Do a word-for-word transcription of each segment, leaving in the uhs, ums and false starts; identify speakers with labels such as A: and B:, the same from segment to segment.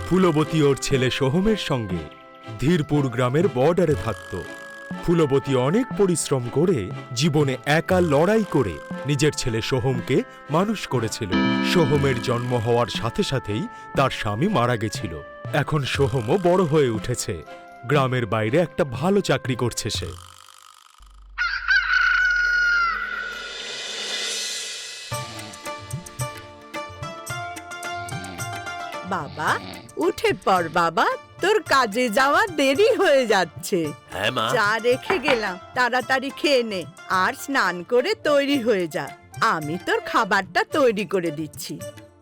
A: ফুলবতী ওর ছেলে সোহমের সঙ্গে ধীরপুর গ্রামের বর্ডারে থাকত। ফুলবতী অনেক পরিশ্রম করে জীবনে একা লড়াই করে নিজের ছেলে সোহমকে মানুষ করেছিল। সোহমের জন্ম হওয়ার সাথে সাথেই তার স্বামী মারা গেছিল। এখন সোহমও বড় হয়ে উঠেছে, গ্রামের বাইরে একটা ভালো চাকরি করছে সে।
B: বাবা উঠে পড় বাবা, তোর কাজে যাওয়া দেরি হয়ে যাচ্ছে।
C: হ্যাঁ মা।
B: চা রেখে গেলাম, তাড়াতাড়ি খেয়ে নে আর স্নান করে তৈরি হয়ে যা। আমি তোর খাবারটা তৈরি করে দিচ্ছি।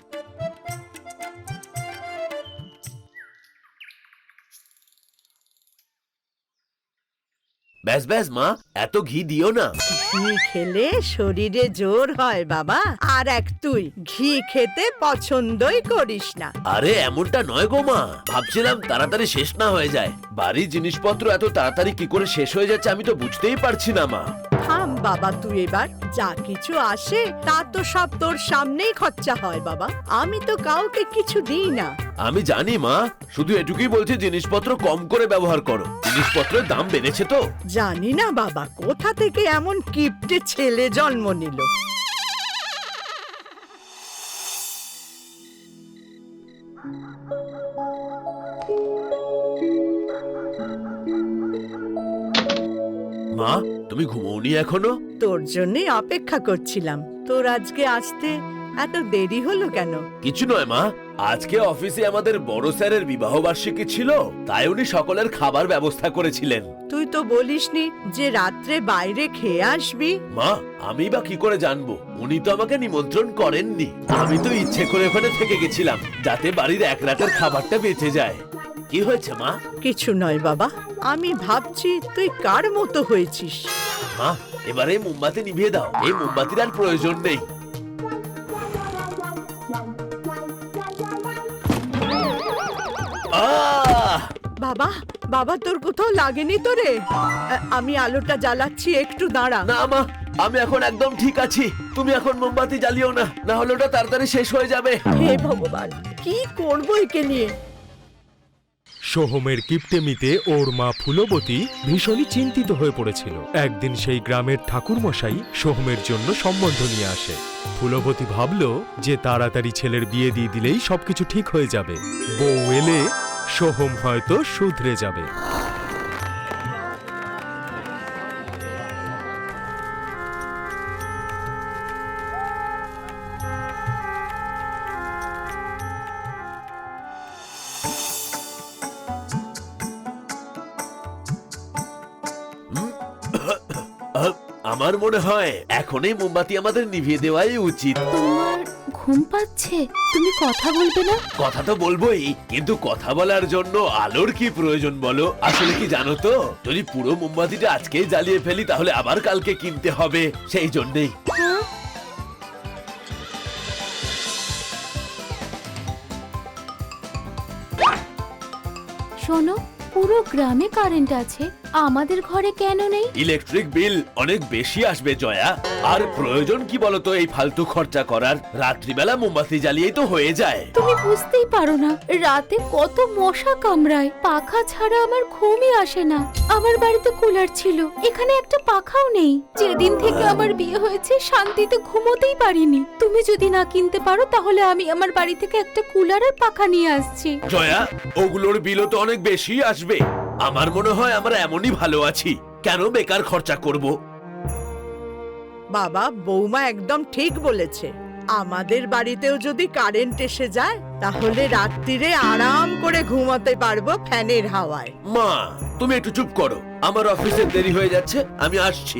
C: ব্যাস ব্যাস মা, এত ঘি দিও না।
B: ঘি খেলে শরীরে জোর হয় বাবা। আর এক তুই ঘি খেতে পছন্দই করিস না।
C: আরে এমনটা নয় গো মা, ভাবছিলাম তাড়াতাড়ি শেষ না হয়ে যায়। বাড়ির জিনিসপত্র এত তাড়াতাড়ি কি করে শেষ হয়ে যাচ্ছে আমি তো বুঝতেই পারছি না মা।
B: থাম বাবা, তুই এবার যা কিছু আসে তা তো সব তোর সামনেই খরচা হয় বাবা। আমি তো কাউকে কিছু দিই না।
C: আমি জানি মা, শুধু এটুকুই বলছি জিনিসপত্র কম করে ব্যবহার করো। জিনিসপত্রের দাম বেড়েছে তো।
B: জানি না বাবা কোথা থেকে এমন কিপ্টে ছেলে জন্ম নিল।
C: মা তুমি ঘুমোওনি এখনো?
B: তোর জন্যই অপেক্ষা করছিলাম। তোর আজকে আসতে এত দেরি হলো কেন?
C: কিছু নয় মা, আজকে অফিসে আমাদের বড় স্যারের বিবাহ বার্ষিকী ছিল, তাই উনি সকলের খাবার ব্যবস্থা করেছিলেন।
B: তুই তো বলিসনি যে রাত্রে বাইরে খেয়ে আসবি।
C: মা আমি বা কি করে জানবো, উনি তো আমাকে নিমন্ত্রণ করেননি। আমি তো ইচ্ছে করে ওখানে থেকে গেছিলাম যাতে বাড়ির এক রাতের খাবারটা বেঁচে যায়। কি হয়েছে মা?
B: কিছু নয় বাবা, আমি ভাবছি তুই কার মতো হয়েছিস।
C: মা এবারে মোমবাতি নিভিয়ে দাও, এই মোমবাতির আর প্রয়োজন নেই। আহ!
B: বাবা বাবা তোর কোথাও লাগেনি তো রে? আ- আমি আলোটা জ্বালাচ্ছি, একটু দাঁড়া।
C: না মা, আমি এখন একদম ঠিক আছি। তুমি এখন মোমবাতি জ্বালিও না, না হলে ওটা তাড়াতাড়ি শেষ হয়ে যাবে।
B: হে ভগবান, কি করবো একে নিয়ে।
A: সোহমের কিপ্টেমিতে ওর মা ফুলবতী ভীষণই চিন্তিত হয়ে পড়েছিল। একদিন সেই গ্রামের ঠাকুরমশাই সোহমের জন্য সম্বন্ধ নিয়ে আসে। ফুলবতী ভাবল যে তাড়াতাড়ি ছেলের বিয়ে দিয়ে দিলেই সবকিছু ঠিক হয়ে যাবে। বউ এলে সোহম হয়তো শুধরে যাবে।
C: আহ, আমার মনে হয় এখনই মোমবাতি আমাদের নিভিয়ে দেওয়াই উচিত।
D: তোমার ঘুম পাচ্ছে, তুমি কথা বলবে না?
C: কথা তো বলবোই, কিন্তু কথা বলার জন্য আলোর কি প্রয়োজন বলো? আসলে কি জানো তো, যদি পুরো মোমবাতিটা আজকেই জ্বালিয়ে ফেলি তাহলে আবার কালকে কিনতে হবে, সেই জন্যই।
D: হ্যাঁ? শোনো, পুরো গ্রামে কারেন্ট আছে, আমাদের ঘরে কেন নেই?
C: ইলেকট্রিক বিল অনেক বেশি আসবে জয়া। আর প্রয়োজন কি বলতো এই ফালতু খরচা করার? রাত্রিবেলা মোমবাতি জ্বালিয়েই তো হয়ে যায়।
D: তুমি বুঝতেই পারো না, রাতে কত মশা কামড়ায়। পাখা ছাড়া আমার ঘুমই আসে না। আমার বাড়িতে কুলার ছিল, এখানে একটা পাখাও নেই। যেদিন থেকে আমার বিয়ে হয়েছে শান্তিতে ঘুমোতেই পারিনি। তুমি যদি না কিনতে পারো তাহলে আমি আমার বাড়ি থেকে একটা কুলার আর পাখা নিয়ে আসছি।
C: জয়া, ওগুলোর বিলও তো অনেক বেশি আসবে। আমার মনে হয় আমরা এমনই ভালো আছি, কেন বেকার খরচা করব?
B: বাবা বৌমা একদম ঠিক বলেছে। আমাদের বাড়িতেও যদি কারেন্ট এসে যায় তাহলে রাত্রিরে আরাম করে ঘুমাতে পারবো ফ্যানের হাওয়ায়।
C: মা তুমি একটু চুপ করো, আমার অফিসে দেরি হয়ে যাচ্ছে, আমি আসছি।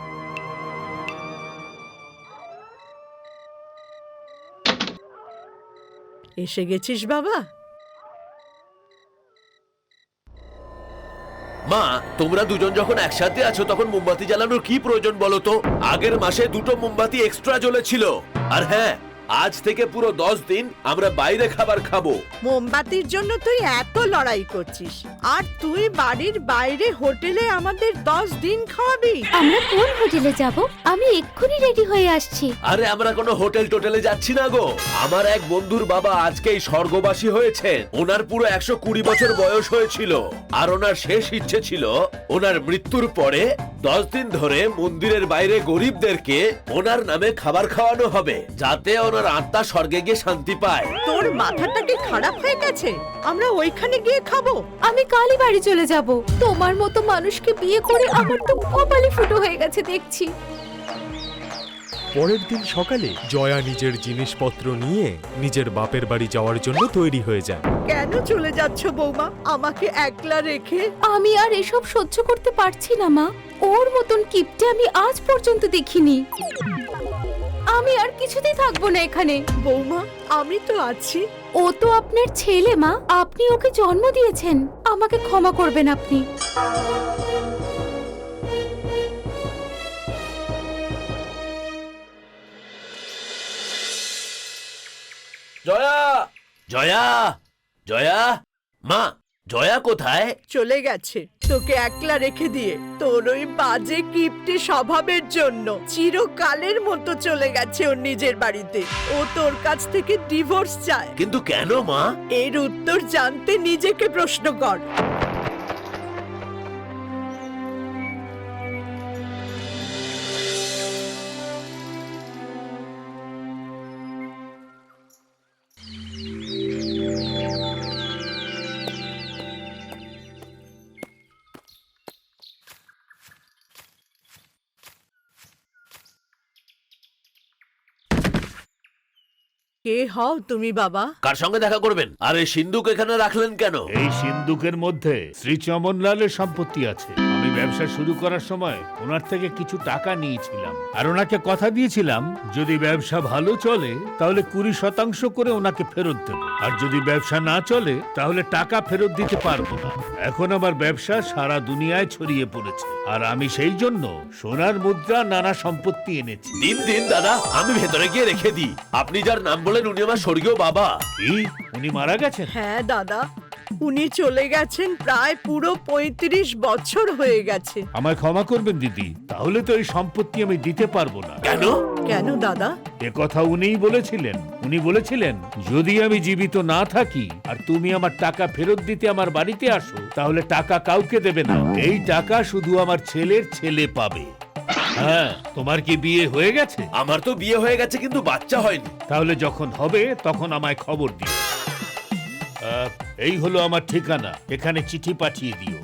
B: এসে গেছিস বাবা?
C: মা তোমরা দুজন যখন একসাথে আছো তখন মোমবাতি জ্বালানোর কি প্রয়োজন বলো তো? আগের মাসে দুটো মোমবাতি এক্সট্রা জ্বলেছিল। আর হ্যাঁ, আজ থেকে পুরো দশ দিন আমরা বাইরে খাবার খাবো।
B: মোমবাতির জন্য তুই এত লড়াই করছিস, আর তুই বাড়ির বাইরে হোটেলে আমাদের দশ দিন খাওয়াবি?
D: আমরা কোন হোটেলে যাব? আমি এক্ষুনি রেডি হয়ে আসছি।
C: আরে আমরা কোনো হোটেল টোটেলে যাচ্ছি না গো। আমার এক বন্ধুর বাবা আজকেই স্বর্গবাসী হয়েছেন। ওনার পুরো একশো কুড়ি বছর বয়স হয়েছিল, আর ওনার শেষ ইচ্ছে ছিল ওনার মৃত্যুর পরে দশ দিন ধরে মন্দিরের বাইরে গরিবদেরকে ওনার নামে খাবার খাওয়ানো হবে, যাতে ওনার আত্মা স্বর্গে গিয়ে শান্তি পায়।
B: তোর মাথাটা কি খারাপ হয়ে গেছে? আমরা ওইখানে গিয়ে খাবো?
D: আমি কালই বাড়ি চলে যাব। তোমার মতো মানুষকে বিয়ে করে আমার তো কপালে ফুটো হয়ে গেছে দেখছি।
A: পরের দিন সকালে জয়া নিজের জিনিসপত্র নিয়ে নিজের বাপের বাড়ি যাওয়ার জন্য তৈরি হয়ে যায়।
B: কেন চলে যাচ্ছ বৌমা আমাকে একলা রেখে?
D: আমি আর এসব সহ্য করতে পারছি না মা। ওর মতন কিপটে আমি আজ পর্যন্ত দেখিনি। আমি আর কিছুতেই থাকবো না এখানে।
B: বৌমা আমি তো আছি।
D: ও তো আপনার ছেলে মা, আপনি ওকে জন্ম দিয়েছেন। আমাকে ক্ষমা করবেন আপনি।
C: জয়া, জয়া, জয়া, মা, জয়া কোথায়?
B: চলে গেছে তোকে একলা রেখে দিয়ে। তোর ওই বাজে কিপটে স্বভাবের জন্য চিরকালের মতো চলে গেছে ওর নিজের বাড়িতে। ও তোর কাছ থেকে ডিভোর্স চায়।
C: কিন্তু কেন মা?
B: এর উত্তর জানতে নিজেকে প্রশ্ন কর। কে হও তুমি বাবা?
C: কার সঙ্গে দেখা করবেন? আর এই সিন্ধুক এখানে রাখলেন কেন?
E: এই সিন্ধুকের মধ্যে শ্রী চমনলালের সম্পত্তি আছে। আমি ব্যবসা শুরু করার সময় ওনার থেকে কিছু টাকা নিয়েছিলাম, আর ওনাকে কথা দিয়েছিলাম যদি ব্যবসা ভালো চলে তাহলে কুড়ি শতাংশ করে ওনাকে ফেরত দেব, আর যদি ব্যবসা না চলে তাহলে টাকা ফেরত দিতে পারবো না। এখন আমার ব্যবসা সারা দুনিয়ায় ছড়িয়ে পড়েছে, আর আমি সেই জন্য সোনার মুদ্রা, নানা সম্পত্তি এনেছি।
C: দিন দিন দাদা, আমি ভেতরে গিয়ে রেখে দিই। আপনি যার নাম বলেন উনি আমার স্বর্গীয় বাবা।
E: কি, উনি মারা গেছেন?
B: হ্যাঁ দাদা, উনি চলে গেছেন প্রায় পুরো পঁয়ত্রিশ বছর হয়ে গেছে।
E: আমায় ক্ষমা করবেন দিদি, তাহলে তো এই সম্পত্তি আমি দিতে পারবো না।
C: কেন?
B: কেন দাদা?
E: এ কথা উনিই বলেছিলেন। উনি বলেছিলেন যদি আমি জীবিত না থাকি আর তুমি আমার টাকা ফেরত দিতে আমার বাড়িতে আসো, তাহলে টাকা কাউকে দেবে না, এই টাকা শুধু আমার ছেলের ছেলে পাবে। হ্যাঁ, তোমার কি বিয়ে হয়ে গেছে?
C: আমার তো বিয়ে হয়ে গেছে, কিন্তু বাচ্চা হয়নি।
E: তাহলে যখন হবে তখন আমায় খবর দিও। আহ, এই হলো আমার ঠিকানা, এখানে চিঠি পাঠিয়ে দিও।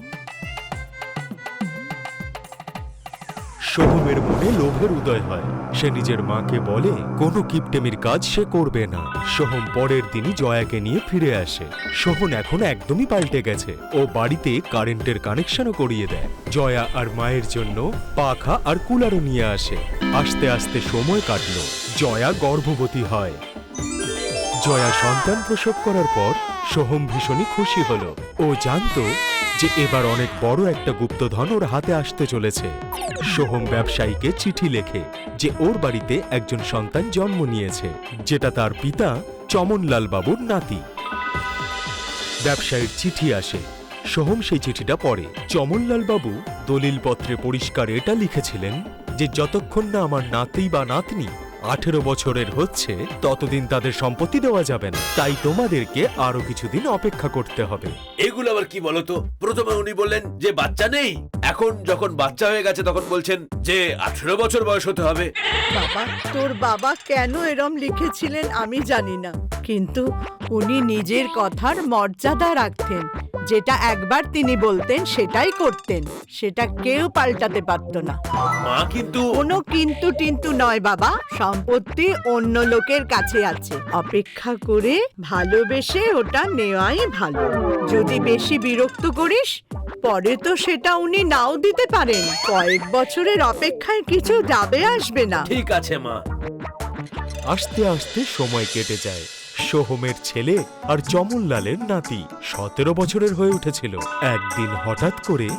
A: সোহমের মনে লোভের উদয় হয়। সে নিজের মাকে বলে কোনো কিপটেমির কাজ সে করবে না। সোহম পরের দিনই জয়াকে নিয়ে ফিরে আসে। সোহন এখন একদমই পাল্টে গেছে। ও বাড়িতে কারেন্টের কানেকশনও করিয়ে দেয়। জয়া আর মায়ের জন্য পাখা আর কুলারও নিয়ে আসে। আস্তে আস্তে সময় কাটলো। জয়া গর্ভবতী হয়। জয়া সন্তান প্রসব করার পর সোহম ভীষণই খুশি হলো। ও জানতো যে এবার অনেক বড় একটা গুপ্তধন ওর হাতে আসতে চলেছে। সোহম ব্যবসায়ীকে চিঠি লেখে যে ওর বাড়িতে একজন সন্তান জন্ম নিয়েছে, যেটা তার পিতা চমনলাল বাবুর নাতি। ব্যবসায়ীর চিঠি আসে। সোহম সেই চিঠিটা পড়ে। চমনলাল বাবু দলিলপত্রে পরিষ্কার এটা লিখেছিলেন যে যতক্ষণ না আমার নাতি বা নাতনি আঠেরো বছরের হচ্ছে ততদিন তাদের সম্পত্তি দেওয়া যাবে না, তাই তোমাদেরকে আরো কিছুদিন অপেক্ষা করতে হবে।
C: এগুলো আবার কি বলতো? প্রথমে উনি বললেন যে বাচ্চা নেই, এখন যখন বাচ্চা হয়ে গেছে তখন বলছেন যে আঠেরো বছর বয়স হতে হবে।
B: বাবা, তোর বাবা কেন এরম লিখেছিলেন আমি জানি না, কিন্তু উনি নিজের কথার মর্যাদা রাখতেন। যেটা একবার তিনি বলতেন সেটাই করতেন, সেটা কেউ পাল্টাতে পারত না।
C: মা কিন্তু
B: কোনো কিন্তু টিন্তু নয় বাবা, সম্পত্তি অন্য লোকের কাছে আছে। অপেক্ষা করে ভালোবেসে ওটা নেওয়াই ভালো। যদি বেশি বিরক্ত করিস পরে তো সেটা উনি নাও দিতে পারেন। কয়েক বছরের অপেক্ষায় কিছু যাবে আসবে না।
C: ঠিক আছে মা।
A: আস্তে আস্তে সময় কেটে যায়। সোহমের ছেলে আর চমনলালের নাতি সতেরো বছরের হয়ে উঠেছিল। একদিন হঠাৎ করে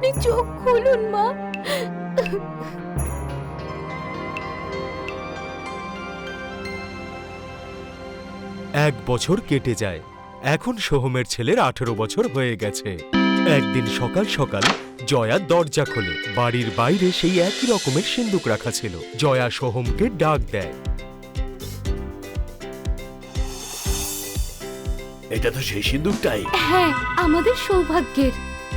D: আপনি চোখ খুলুন মা।
A: এক বছর কেটে যায়। এখন সোহমের ছেলের আঠেরো বছর হয়ে গেছে। একদিন সকাল সকাল জয়া দরজা খোলে। বাড়ির বাইরে সেই একই রকমের সিন্দুক রাখা ছিল। জয়া সোহমকে ডাক দেয়।
C: এটা তো সেই সিন্দুকটাই।
D: হ্যাঁ, আমাদের সৌভাগ্যের।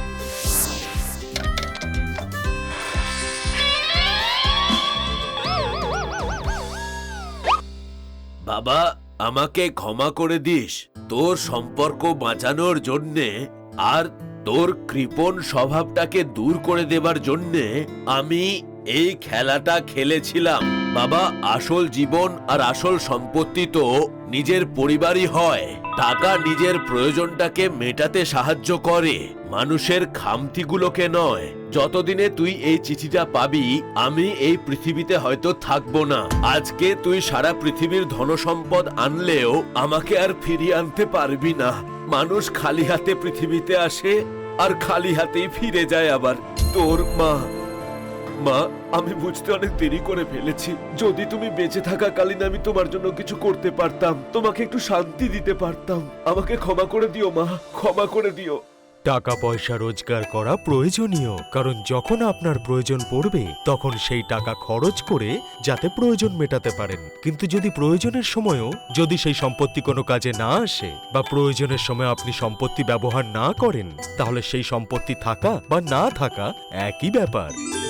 C: বাবা, আমাকে ক্ষমা করে দিস। তোর সম্পর্ক বাঁচানোর জন্যে আর তোর কৃপণ স্বভাবটাকে দূর করে দেবার জন্যে আমি এই খেলাটা খেলেছিলাম। বাবা, আসল জীবন আর আসল সম্পত্তি তো নিজের পরিবারই হয়। টাকা নিজের প্রয়োজনটাকে মেটাতে সাহায্য করে, মানুষের খামতিগুলোকে নয়। যতদিনে তুই এই চিঠিটা পাবি, আমি এই পৃথিবীতে হয়তো থাকবো না। আজকে তুই সারা পৃথিবীর ধনসম্পদ আনলেও আমাকে আর ফিরিয়ে আনতে পারবি না। মানুষ খালি হাতে পৃথিবীতে আসে আর খালি হাতেই ফিরে যায় আবার। তোর মা। মা, আমি বুঝতে অনেক দেরি করে ফেলেছি। যদি তুমি বেঁচে থাকাকালীন আমি তোমার জন্য কিছু করতে পারতাম, তোমাকে একটু শান্তি দিতে পারতাম। আমাকে ক্ষমা করে দিও মা, ক্ষমা করে দিও।
A: টাকা পয়সা রোজগার করা প্রয়োজনীয়, কারণ যখন আপনার প্রয়োজন পড়বে তখন সেই টাকা খরচ করে যাতে প্রয়োজন মেটাতে পারেন। কিন্তু যদি প্রয়োজনের সময়ও যদি সেই সম্পত্তি কোনো কাজে না আসে বা প্রয়োজনের সময় আপনি সম্পত্তি ব্যবহার না করেন, তাহলে সেই সম্পত্তি থাকা বা না থাকা একই ব্যাপার।